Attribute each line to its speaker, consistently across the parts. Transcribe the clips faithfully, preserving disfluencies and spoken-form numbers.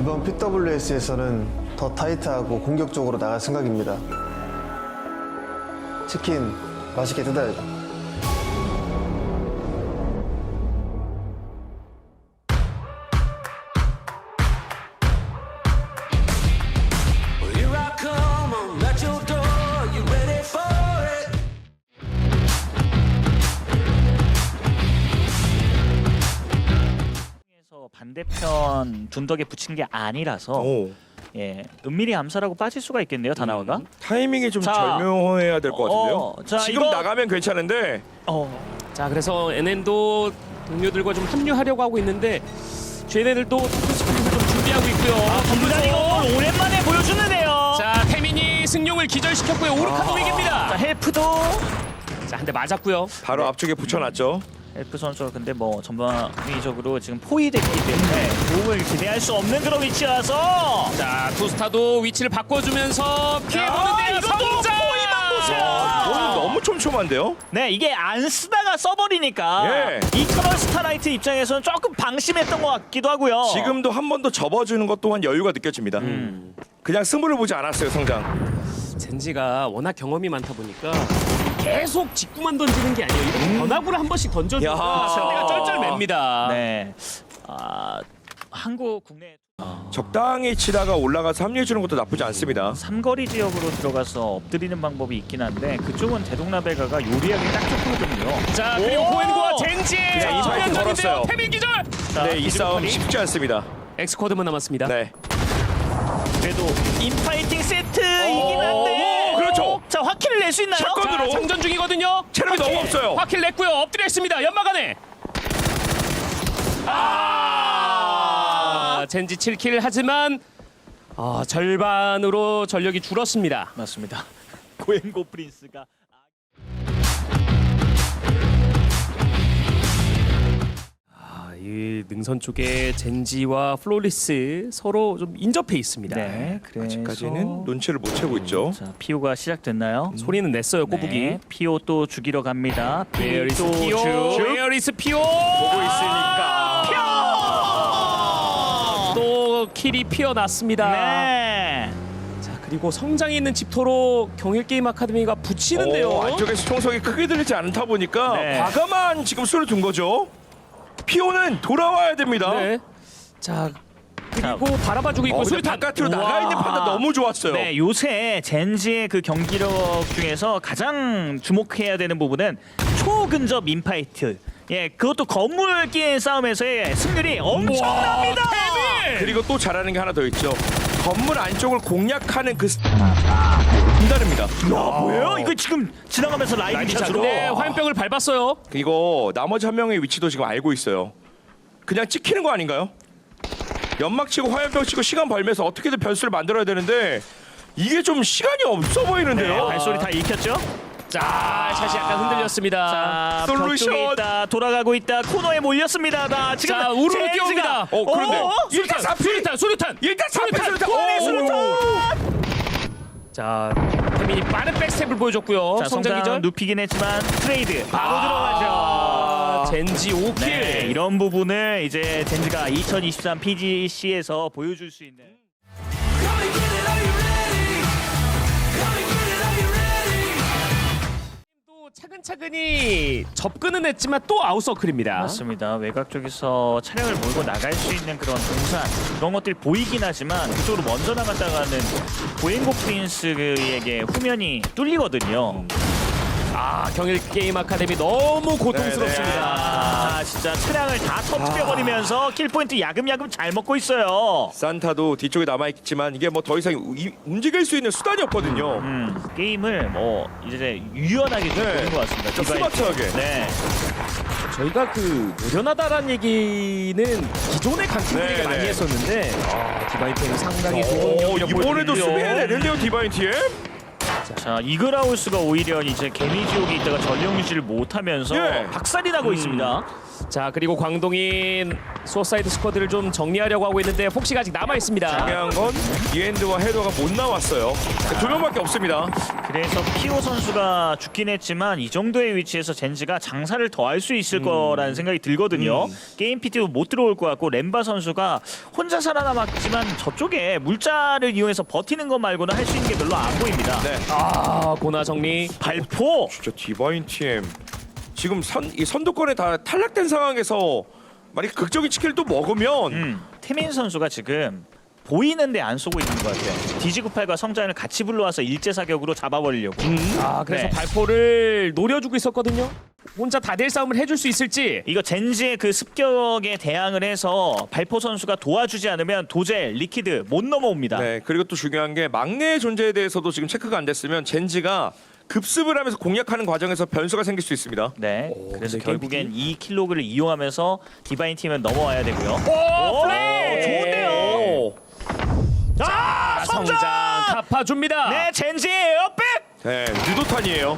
Speaker 1: 이번 피더블유에스에서는 더 타이트하고 공격적으로 나갈 생각입니다. 치킨 맛있게 뜯어야죠.
Speaker 2: Here I come, I'm at your door. You ready for it?
Speaker 3: 에서 반대편 둔덕에 붙인 게 아니라서
Speaker 4: 오.
Speaker 3: 예 은밀히 암살하고 빠질 수가 있겠네요 다나와가.
Speaker 4: 음, 타이밍이 좀
Speaker 3: 자,
Speaker 4: 절묘해야 될 것 같은데요.
Speaker 3: 어, 자,
Speaker 4: 지금
Speaker 3: 이거-
Speaker 4: 나가면 괜찮은데
Speaker 3: 어
Speaker 5: 자, 그래서 엔엔도 동료들과 좀 합류하려고 하고 있는데 제네들도 토크스프링을 좀 준비하고 있고요.
Speaker 3: 분단 이거 오랜만에 보여주는데요.
Speaker 5: 자, 태민이 승용을 기절시켰고요. 오르카도 위기입니다.
Speaker 3: 자 헬프도
Speaker 5: 자, 한 대 맞았고요.
Speaker 4: 바로 앞쪽에 붙여놨죠.
Speaker 3: 헬프 선수가 근데 뭐 전방위적으로 지금 포위됐기 때문에 도움을 기대할 수 없는 그런 위치라서
Speaker 5: 자, 투스타도 위치를 바꿔주면서 피해보는데요.
Speaker 3: 이것도
Speaker 5: 성장!
Speaker 3: 포위만 보세요.
Speaker 4: 아, 이거는 너무 촘촘한데요.
Speaker 3: 네 이게 안 쓰다가 써버리니까
Speaker 4: 예.
Speaker 3: 이터널 스타라이트 입장에서는 조금 방심했던 것 같기도 하고요.
Speaker 4: 지금도 한 번 더 접어주는 것 또한 여유가 느껴집니다.
Speaker 3: 음.
Speaker 4: 그냥 승부를 보지 않았어요, 성장.
Speaker 5: 젠지가 워낙 경험이 많다 보니까 계속 직구만 던지는 게 아니에요. 이렇게 변화구를 한 번씩 던져주면
Speaker 4: 야.
Speaker 5: 상대가 쩔쩔맵니다.
Speaker 3: 네. 아 한국 국내
Speaker 4: 적당히 치다가 올라가서 합류해주는 것도 나쁘지 않습니다.
Speaker 3: 삼거리 지역으로 들어가서 엎드리는 방법이 있긴 한데 그쪽은 대동라베가가 요리하기 딱 좋거든요.
Speaker 5: 자, 그리고
Speaker 3: 오!
Speaker 5: 고엔과 젠지의
Speaker 4: 자, 이 파이트
Speaker 5: 전면전인데요.
Speaker 4: 걸었어요.
Speaker 5: 태민 기절!
Speaker 3: 자,
Speaker 4: 네, 이 싸움
Speaker 3: 기준판이.
Speaker 4: 쉽지 않습니다.
Speaker 5: 엑스코드만 남았습니다.
Speaker 4: 네.
Speaker 3: 그래도 인파이팅 세트이긴 한데
Speaker 4: 오, 그렇죠.
Speaker 3: 자 화키를 낼 수 있나요?
Speaker 4: 샷건으로.
Speaker 5: 자, 장전 중이거든요.
Speaker 4: 체력이 너무 없어요.
Speaker 5: 화킬 냈고요. 엎드려 있습니다. 연막 안에. 아, 젠지 칠 킬 하지만 아, 절반으로 전력이 줄었습니다.
Speaker 3: 맞습니다. 고행고 프린스가
Speaker 5: 아, 이 능선 쪽에 젠지와 플로리스 서로 좀 인접해 있습니다.
Speaker 3: 네 그래서
Speaker 4: 아직까지는 눈치를 못 채고 있죠.
Speaker 3: 자 피오가 시작됐나요?
Speaker 5: 소리는 냈어요. 꼬부기.
Speaker 3: 네, 피오 또 죽이러 갑니다.
Speaker 5: Where is
Speaker 3: 또
Speaker 5: 피오?
Speaker 3: 죽.
Speaker 5: Where is 피오?
Speaker 4: 보고 있으니까.
Speaker 5: 또 킬이 피어났습니다.
Speaker 3: 네.
Speaker 5: 자, 그리고 성장이 있는 집토로 경일게임 아카데미가 붙이는데요.
Speaker 4: 오, 안쪽에서 총성이 크게 들리지 않다 보니까
Speaker 3: 네.
Speaker 4: 과감한 지금 수를 둔 거죠. 피오는 돌아와야 됩니다.
Speaker 5: 네. 자, 그리고 바라봐주고 있고
Speaker 4: 어, 근데
Speaker 5: 수류탄.
Speaker 4: 바깥으로 나가 있는
Speaker 3: 우와.
Speaker 4: 판단 너무 좋았어요.
Speaker 3: 네, 요새 젠지의 그 경기력 중에서 가장 주목해야 되는 부분은 초근접 인파이트. 예, 그것도 건물 끼의 싸움에서의 승률이 엄청납니다.
Speaker 4: 그리고 또 잘하는 게 하나 더 있죠. 건물 안쪽을 공략하는 그 분다릅니다.
Speaker 3: 야, 뭐예요? 이거 지금 지나가면서 라이브 샷으로.
Speaker 5: 네, 화염병을 밟았어요.
Speaker 4: 이거 나머지 한 명의 위치도 지금 알고 있어요. 그냥 찍히는 거 아닌가요? 연막 치고 화염병 치고 시간 벌면서 어떻게든 변수를 만들어야 되는데 이게 좀 시간이 없어 보이는데요.
Speaker 3: 네, 발소리 다 익혔죠?
Speaker 5: 자, 샷이 약간 흔들렸습니다.
Speaker 3: 자,
Speaker 4: 솔루션.
Speaker 3: 벽 쪽에 있다, 돌아가고 있다, 코너에 몰렸습니다. 나 지금
Speaker 5: 자, 우르르
Speaker 3: 젠지가-
Speaker 5: 뛰어옵니다.
Speaker 4: 어, 그런데
Speaker 3: 어?
Speaker 5: 수류탄, 수류탄, 수류탄.
Speaker 4: 일단 수류탄, 수류탄.
Speaker 3: 코너에
Speaker 4: 오!
Speaker 3: 수류탄!
Speaker 5: 자, 태민이 빠른 백스텝을 보여줬고요.
Speaker 3: 자,
Speaker 5: 성장
Speaker 3: 성장
Speaker 5: 기절.
Speaker 3: 눕히긴 했지만 트레이드 바로
Speaker 5: 아,
Speaker 3: 들어가죠.
Speaker 5: 젠지 오 킬.
Speaker 3: 네, 이런 부분을 이제 젠지가 이천이십삼 피지씨에서 보여줄 수 있는.
Speaker 2: Come and get it, are you ready? Come and get it, are you ready?
Speaker 5: 또 차근차근히 접근은 했지만 또 아웃서클입니다.
Speaker 3: 맞습니다. 외곽 쪽에서 차량을 몰고 나갈 수 있는 그런 동산 그런 것들이 보이긴 하지만 그쪽으로 먼저 나갔다가는 고행고 프린스에게 후면이 뚫리거든요.
Speaker 5: 아, 경일 게임 아카데미 너무 고통스럽습니다.
Speaker 3: 아, 진짜 차량을 다 터뜨려버리면서 킬포인트 야금야금 잘 먹고 있어요.
Speaker 4: 산타도 뒤쪽에 남아있지만 이게 뭐 더 이상 이- 움직일 수 있는 수단이 없거든요.
Speaker 3: 음, 게임을 뭐 이제 유연하게 좀
Speaker 4: 네.
Speaker 3: 보는 것 같습니다.
Speaker 4: 좀
Speaker 3: 디바이스.
Speaker 4: 스마트하게.
Speaker 3: 네.
Speaker 5: 저희가 그 노련하다라는 얘기는 기존의 강팀들에게
Speaker 4: 네,
Speaker 5: 많이
Speaker 4: 네.
Speaker 5: 했었는데 아, 디바이트는 상당히 좋은
Speaker 4: 오,
Speaker 5: 경기력
Speaker 4: 이번에도
Speaker 5: 보여주는데요.
Speaker 4: 수비해내는데요, 디바인 티엠.
Speaker 3: 자, 이그라우스가 오히려 이제 개미지옥에 있다가 전력 유지를 못하면서
Speaker 4: 예.
Speaker 3: 박살이 나고 있습니다.
Speaker 5: 자 그리고 광동인 소사이드 스쿼드를 좀 정리하려고 하고 있는데 폭시가 아직 남아 있습니다.
Speaker 4: 중요한 건 이엔드와 헤더가 못 나왔어요. 두 명밖에 없습니다.
Speaker 3: 그래서 피오 선수가 죽긴 했지만 이 정도의 위치에서 젠지가 장사를 더 할 수 있을 거라는 생각이 들거든요. 게임 피티도 못 들어올 것 같고 렘바 선수가 혼자 살아남았지만 저쪽에 물자를 이용해서 버티는 것 말고는 할 수 있는 게 별로 안 보입니다.
Speaker 4: 네.
Speaker 5: 아 고나 정리.
Speaker 3: 발포!
Speaker 4: 진짜 디바인 팀 지금 선, 이 선두권에 다 탈락된 상황에서 만약 극적인 치킨을 또 먹으면
Speaker 3: 음, 태민 선수가 지금 보이는데 안 쏘고 있는 것 같아요. 디지구팔과 성장을 같이 불러와서 일제 사격으로 잡아버리려고.
Speaker 5: 아 그래서
Speaker 3: 네.
Speaker 5: 발포를 노려주고 있었거든요. 혼자 다대 싸움을 해줄 수 있을지.
Speaker 3: 이거 젠지의 그 습격에 대항을 해서 발포 선수가 도와주지 않으면 도젤, 리퀴드 못 넘어옵니다.
Speaker 4: 네, 그리고 또 중요한 게 막내의 존재에 대해서도 지금 체크가 안 됐으면 젠지가 급습을 하면서 공략하는 과정에서 변수가 생길 수 있습니다.
Speaker 3: 네, 그래서
Speaker 5: 근데
Speaker 3: 결국엔 이 킬로그를 이용하면서 디바인 팀은 넘어와야 되고요.
Speaker 5: 오, 플레이!
Speaker 3: 좋은데요.
Speaker 4: 오.
Speaker 3: 자,
Speaker 5: 성장 갚아줍니다.
Speaker 3: 네, 젠지 에어백!
Speaker 4: 네, 유도탄이에요.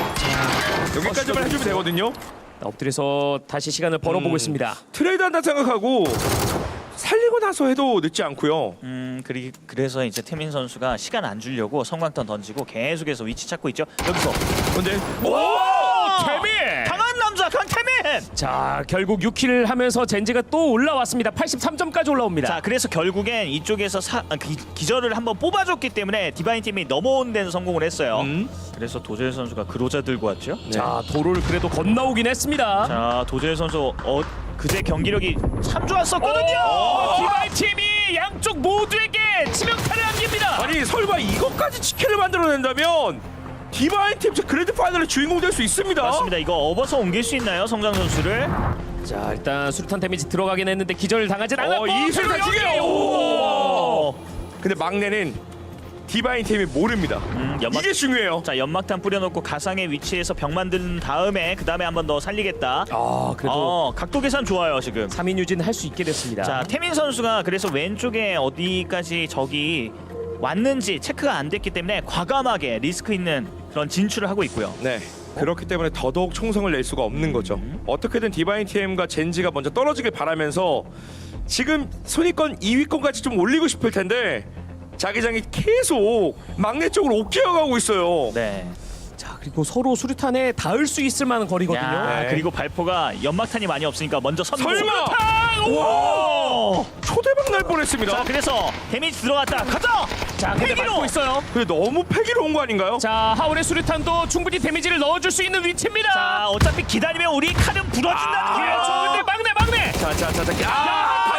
Speaker 4: 여기까지만 해주면 되거든요.
Speaker 5: 엎드려서 다시 시간을 벌어보고
Speaker 4: 음.
Speaker 5: 있습니다.
Speaker 4: 트레이드 한다 생각하고 살리고 나서 해도 늦지 않고요.
Speaker 3: 음, 그리, 그래서 이제 태민 선수가 시간 안 주려고 성광탄 던지고 계속해서 위치 찾고 있죠. 여기서
Speaker 4: 근데
Speaker 3: 오!
Speaker 5: 태민!
Speaker 3: 강한 남자 강태민!
Speaker 5: 자 결국 육 킬을 하면서 젠지가 또 올라왔습니다. 팔십삼 점까지 올라옵니다.
Speaker 3: 자, 그래서 결국엔 이쪽에서 사, 아, 기, 기절을 한번 뽑아줬기 때문에 디바인 팀이 넘어온 데는 성공을 했어요.
Speaker 4: 음.
Speaker 3: 그래서 도젤 선수가 그로자 들고 왔죠.
Speaker 5: 자 도로를 그래도 건너오긴 했습니다.
Speaker 3: 자, 도젤 선수 어, 그제 경기력이 참 좋았었거든요.
Speaker 5: 오, 디바이 팀이 양쪽 모두에게 치명타를 안깁니다.
Speaker 4: 아니 설마 이것까지 치킨을 만들어낸다면 디바인 팀 그랜드 파이널의 주인공 될 수 있습니다.
Speaker 3: 맞습니다. 이거 업어서 옮길 수 있나요, 성장 선수를?
Speaker 5: 자 일단 수류탄 데미지 들어가긴 했는데 기절을 당하진 않았고
Speaker 4: 어, 이 수류탄
Speaker 5: 그리고
Speaker 4: 튀겨요.
Speaker 5: 여기! 오!
Speaker 4: 근데 막내는 디바인 팀이 모릅니다.
Speaker 3: 음, 연막,
Speaker 4: 이게 중요해요.
Speaker 3: 자, 연막탄 뿌려놓고 가상의 위치에서 병 만든 다음에 그 다음에 한 번 더 살리겠다.
Speaker 5: 아 그래도
Speaker 3: 어, 각도 계산 좋아요 지금.
Speaker 5: 삼 인 유지는 할 수 있게 됐습니다.
Speaker 3: 자, 태민 선수가 그래서 왼쪽에 어디까지 적이 왔는지 체크가 안 됐기 때문에 과감하게 리스크 있는 그런 진출을 하고 있고요.
Speaker 4: 네. 그렇기 때문에 더더욱 총성을 낼 수가 없는 거죠. 어떻게든 디바인 팀과 젠지가 먼저 떨어지길 바라면서 지금 순위권 이 위권까지 좀 올리고 싶을 텐데 자기장이 계속 막내 쪽으로 옥기어가고 있어요.
Speaker 3: 네.
Speaker 5: 자 그리고 서로 수류탄에 닿을 수 있을 만한 거리거든요.
Speaker 3: 야,
Speaker 4: 네.
Speaker 3: 그리고 발포가 연막탄이 많이 없으니까 먼저 선고.
Speaker 4: 설마!
Speaker 3: 오!
Speaker 4: 초대박 날 뻔했습니다.
Speaker 3: 자, 그래서 데미지 들어갔다. 가자.
Speaker 5: 자 근데
Speaker 3: 패기로!
Speaker 5: 맞고 있어요.
Speaker 4: 근데 너무 패기로 온 거 아닌가요?
Speaker 5: 자 하울의 수류탄도 충분히 데미지를 넣어줄 수 있는 위치입니다.
Speaker 3: 자, 어차피 기다리면 우리 칼은 부러진다는 거예요.
Speaker 5: 그렇죠. 근데 막내 막내.
Speaker 4: 자자자자.
Speaker 5: 야,
Speaker 4: 아,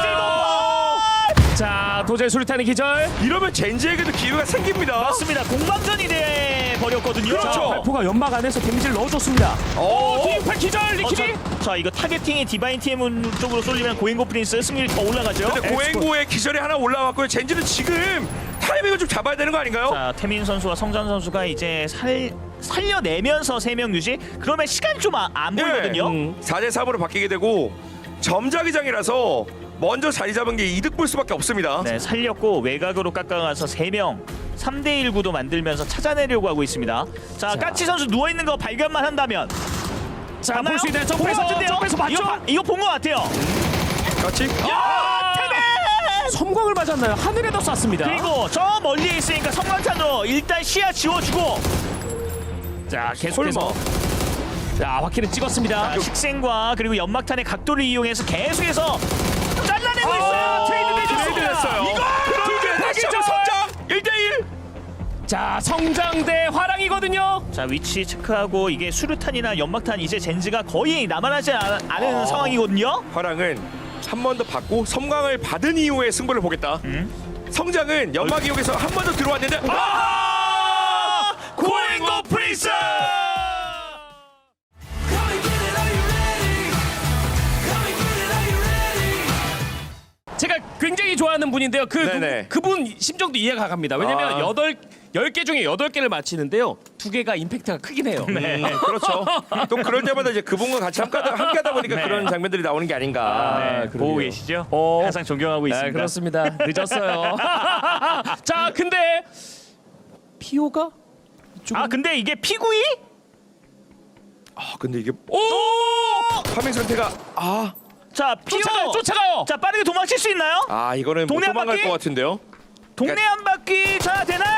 Speaker 5: 달렸어요. 자 도저히 수류탄의 기절.
Speaker 4: 이러면 젠지에게도 기회가 생깁니다.
Speaker 3: 맞습니다. 공방전이 돼 버렸거든요.
Speaker 4: 그렇죠.
Speaker 5: 자, 발포가 연막 안에서 데미지를 넣어줬습니다.
Speaker 4: 어,
Speaker 5: 오, 디팔 기절
Speaker 3: 어,
Speaker 5: 리키리.
Speaker 3: 자, 자, 이거 타겟팅이 디바인 팀 쪽으로 쏠리면 고잉고 프린스 승률이 더 올라가죠.
Speaker 4: 근데 고행고의 기절이 하나 올라왔고요. 젠지는 지금 타이밍을 좀 잡아야 되는 거 아닌가요?
Speaker 3: 자, 태민 선수와 성장 선수가 이제 살 살려내면서 세 명 유지. 그러면 시간 좀 안
Speaker 4: 네.
Speaker 3: 보이거든요.
Speaker 5: 음.
Speaker 4: 사 대 삼으로 바뀌게 되고 점자기장이라서 먼저 자리 잡은 게 이득 볼 수밖에 없습니다.
Speaker 3: 네, 살렸고 외곽으로 깎아가서 세 명 삼 대 일 구도 만들면서 찾아내려고 하고 있습니다. 자,
Speaker 5: 자.
Speaker 3: 까치 선수 누워 있는 거 발견만 한다면
Speaker 5: 자,
Speaker 3: 봤나요?
Speaker 5: 볼 수 있는
Speaker 3: 본
Speaker 5: 점프에서
Speaker 3: 것 같은데요?
Speaker 5: 점프에서 봤죠?
Speaker 3: 이거, 봐- 이거 본 것 같아요.
Speaker 4: 같이.
Speaker 5: 아, 섬광을 맞았나요? 하늘에다 쐈습니다.
Speaker 3: 그리고 저 멀리에 있으니까 성광탄으로 일단 시야 지워주고.
Speaker 5: 자 계속해서 자 바퀴는 찍었습니다.
Speaker 3: 자, 식생과 그리고 연막탄의 각도를 이용해서 계속해서 잘라내고
Speaker 5: 아,
Speaker 3: 있어요. 트레이드
Speaker 4: 트레이드
Speaker 3: 내줬습니다.
Speaker 4: 됐어요.
Speaker 3: 이거
Speaker 4: 그런데 다시 한번 성장 일 대 일.
Speaker 5: 자 성장대 화랑이거든요.
Speaker 3: 자, 위치 체크하고 이게 수류탄이나 연막탄 이제 젠지가 거의 남아나지 않, 않은
Speaker 4: 아.
Speaker 3: 상황이거든요.
Speaker 4: 화랑은 한 번 더 받고 섬광을 받은 이후에 승부를 보겠다.
Speaker 3: 음.
Speaker 4: 성장은 연막 이용해서 한 번 더 들어왔는데 아! 고행고 프린스!
Speaker 2: Come and get it, are you ready? Come and get it, are you ready?
Speaker 5: 제가 굉장히 좋아하는 분인데요. 그
Speaker 4: 네네.
Speaker 5: 그, 그분 심정도 이해가 갑니다. 왜냐면
Speaker 4: 아.
Speaker 5: 여덟 열 개 중에 여덟 개를 맞히는데요. 두 개가 임팩트가 크긴 해요.
Speaker 4: 네, 그렇죠. 또 그럴 때마다 이제 그분과 같이 함께하다, 함께하다 보니까
Speaker 3: 네.
Speaker 4: 그런 장면들이 나오는 게 아닌가.
Speaker 3: 네,
Speaker 5: 그러게요.
Speaker 3: 보고 계시죠?
Speaker 5: 어.
Speaker 3: 항상 존경하고 있습니다.
Speaker 5: 네, 그렇습니다. 늦었어요. 자, 근데 피오가 이쪽은-
Speaker 3: 아, 근데 이게 피구이?
Speaker 4: 아 근데 이게
Speaker 5: 오!
Speaker 4: 파밍 상태가 아,
Speaker 3: 자, 피오.
Speaker 5: 쫓아가요, 쫓아가요.
Speaker 3: 자, 빠르게 도망칠 수 있나요?
Speaker 4: 아 이거는 못
Speaker 3: 동네 한
Speaker 4: 도망갈
Speaker 3: 바퀴?
Speaker 4: 것 같은데요.
Speaker 3: 동네 한 바퀴. 자, 되나요?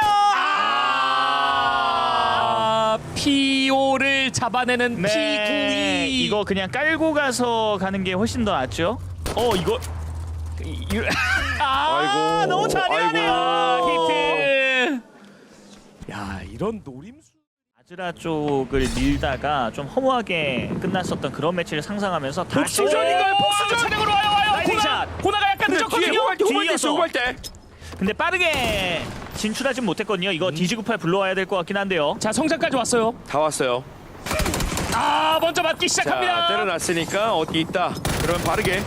Speaker 5: 아, 피오를 잡아내는
Speaker 3: 네.
Speaker 5: 피구이.
Speaker 3: 이거 그냥 깔고 가서 가는 게 훨씬 더 낫죠. 어, 이거 이- 이- 아,
Speaker 4: 아이고,
Speaker 3: 너무 잔인하네요.
Speaker 5: 아, 히트. 야, 이런 노림수.
Speaker 3: 아즈라 쪽을 밀다가 좀 허무하게 끝났었던 그런 매치를 상상하면서 다시
Speaker 4: 복수전인가요?
Speaker 5: 오,
Speaker 4: 복수전!
Speaker 5: 차량으로 와요, 와요.
Speaker 3: 라이딩
Speaker 5: 고나,
Speaker 3: 샷.
Speaker 5: 고나가 약간
Speaker 4: 근데 뒤에
Speaker 5: 늦었거든요.
Speaker 4: 호갈 때 호갈 때 있어
Speaker 3: 뒤이어서.
Speaker 4: 호갈 때.
Speaker 3: 근데 빠르게 진출하진 못했거든요. 이거 디지구팔 불러와야 될 것 같긴 한데요.
Speaker 5: 자, 성장까지 왔어요.
Speaker 4: 다 왔어요.
Speaker 5: 아, 먼저 맞기
Speaker 4: 자
Speaker 5: 시작합니다.
Speaker 4: 때려놨으니까 어디 있다. 그러면 바르게.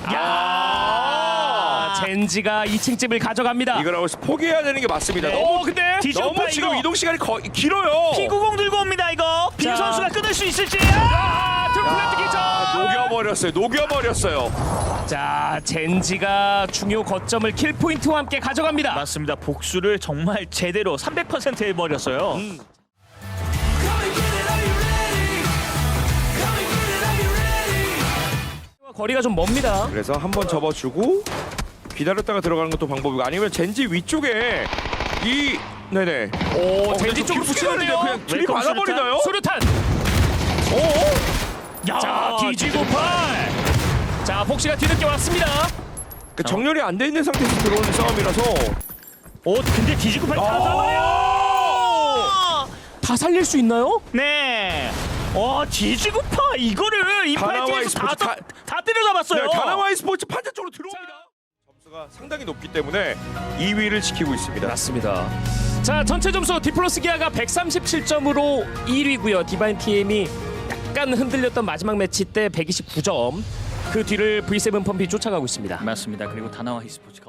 Speaker 5: 아, 젠지가 이 층 집을 가져갑니다.
Speaker 4: 이거라고 해서 포기해야 되는 게 맞습니다.
Speaker 3: 네.
Speaker 4: 너무
Speaker 5: 어, 근데
Speaker 3: 디지구팔
Speaker 4: 너무 지금
Speaker 3: 이거
Speaker 4: 이동 시간이 거, 길어요.
Speaker 3: 피구공 들고 옵니다. 이거 빈
Speaker 5: 자.
Speaker 3: 선수가 끊을 수 있을지.
Speaker 5: 아, 트플랜트 기절.
Speaker 4: 녹여버렸어요. 녹여버렸어요.
Speaker 5: 자, 젠지가 중요 거점을 킬 포인트와 함께 가져갑니다.
Speaker 3: 맞습니다. 복수를 정말 제대로 삼백 퍼센트 해버렸어요.
Speaker 5: 음.
Speaker 2: Come and get it, are you ready? Come and get it, are you ready?
Speaker 5: 거리가 좀 멉니다.
Speaker 4: 그래서 한 번 접어주고 기다렸다가 들어가는 것도 방법이고 아니면 젠지 위쪽에 이 네네.
Speaker 5: 오,
Speaker 4: 어,
Speaker 5: 젠지
Speaker 4: 근데
Speaker 5: 쪽으로
Speaker 4: 좀
Speaker 5: 붙이는데요.
Speaker 4: 그냥 들이
Speaker 3: 웰컴
Speaker 4: 받아버리나요?
Speaker 5: 수류탄.
Speaker 4: 오.
Speaker 3: 야,
Speaker 5: 자, 디지구팔. 자, 폭시가 뒤늦게 왔습니다.
Speaker 4: 그 정렬이 안 돼 있는 상태에서 들어오는 싸움이라서.
Speaker 3: 오, 근데 디지구팔 다
Speaker 4: 아.
Speaker 3: 잡아요.
Speaker 5: 다 살릴 수 있나요?
Speaker 3: 네. 와, 디지구파 이거를 이
Speaker 4: 다나와
Speaker 3: 파이팅에서 다,
Speaker 4: e스포츠
Speaker 3: 다,
Speaker 4: 다-
Speaker 3: 다 때려잡았어요.
Speaker 4: 네, 다나와 e스포츠 판자 쪽으로 들어옵니다. 점수가 상당히 높기 때문에 이 위를 지키고 있습니다.
Speaker 5: 맞습니다. 자, 전체 점수 디플러스 기아가 백삼십칠 점으로 일 위고요. 디바인 티엠이 약간 흔들렸던 마지막 매치 때 백이십구 점. 그 뒤를 브이 세븐 펌피 쫓아가고 있습니다.
Speaker 3: 맞습니다. 그리고 다나와 e스포츠가